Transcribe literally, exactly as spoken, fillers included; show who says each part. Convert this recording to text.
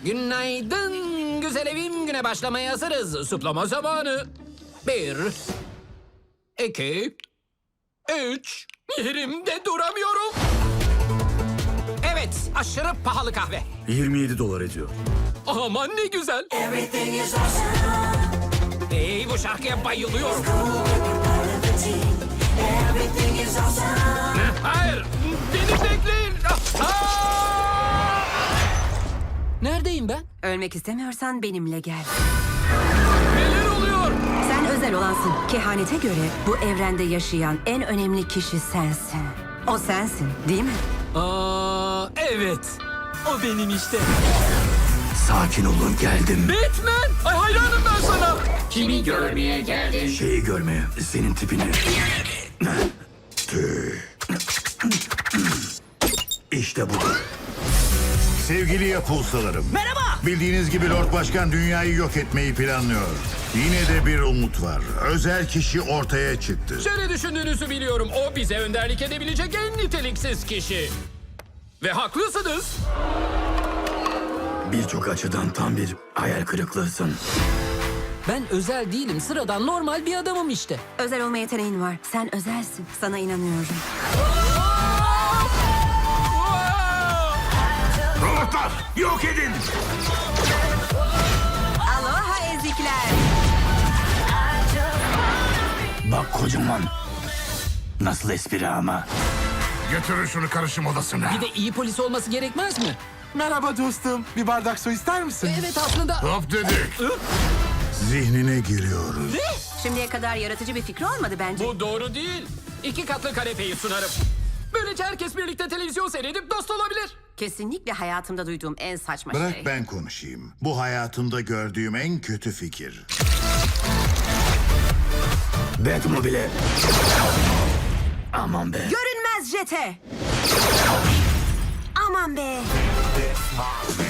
Speaker 1: Günaydın güzel evim, güne başlamaya hazırız. Suplama zamanı. Bir, iki, üç. Yerimde duramıyorum. Evet, aşırı pahalı kahve.
Speaker 2: yirmi yedi dolar ediyor.
Speaker 1: Aman ne güzel.
Speaker 3: Everything is awesome.
Speaker 1: Hey, bu şarkıya bayılıyorum.
Speaker 3: Cool, part of the team. Everything is awesome.
Speaker 1: Hayır, beni bekleyin. Aa! Neredeyim ben?
Speaker 4: Ölmek istemiyorsan benimle gel.
Speaker 1: Neler oluyor?
Speaker 4: Sen özel olansın. Kehanete göre bu evrende yaşayan en önemli kişi sensin. O sensin, değil mi?
Speaker 1: Aa, evet. O benim işte.
Speaker 2: Sakin olun, geldim.
Speaker 1: Batman! Ay hayranım ben sana.
Speaker 5: Kimi görmeye geldin?
Speaker 2: Şeyi görmeye, senin tipini. İşte bu.
Speaker 6: Sevgili yapulsalarım. Merhaba. Bildiğiniz gibi Lord Başkan dünyayı yok etmeyi planlıyor. Yine de bir umut var. Özel kişi ortaya çıktı.
Speaker 1: Şöyle düşündüğünüzü biliyorum. O bize önderlik edebilecek en niteliksiz kişi. Ve haklısınız.
Speaker 2: Birçok açıdan tam bir hayal kırıklığısın.
Speaker 1: Ben özel değilim. Sıradan normal bir adamım işte.
Speaker 4: Özel olma yeteneğin var. Sen özelsin. Sana inanıyorum.
Speaker 6: Robotlar yok edin.
Speaker 4: Aloha ezikler.
Speaker 2: Bak kocaman. Nasıl espri ama.
Speaker 6: Götürün şunu karışım odasına.
Speaker 1: Bir de iyi polis olması gerekmez mi?
Speaker 7: Merhaba dostum. Bir bardak su ister misin?
Speaker 1: Evet aslında.
Speaker 6: Hop dedik. Zihnine giriyoruz.
Speaker 4: Şimdiye kadar yaratıcı bir fikri olmadı bence.
Speaker 1: Bu doğru değil. İki katlı kanepeyi sunarım. Böylece herkes birlikte televizyon seyredip dost olabilir.
Speaker 4: Kesinlikle hayatımda duyduğum en saçma
Speaker 6: Bırak
Speaker 4: şey.
Speaker 6: ben konuşayım. Bu hayatımda gördüğüm en kötü fikir.
Speaker 2: Batmobile. Aman be.
Speaker 4: Görünmez jete. Aman be.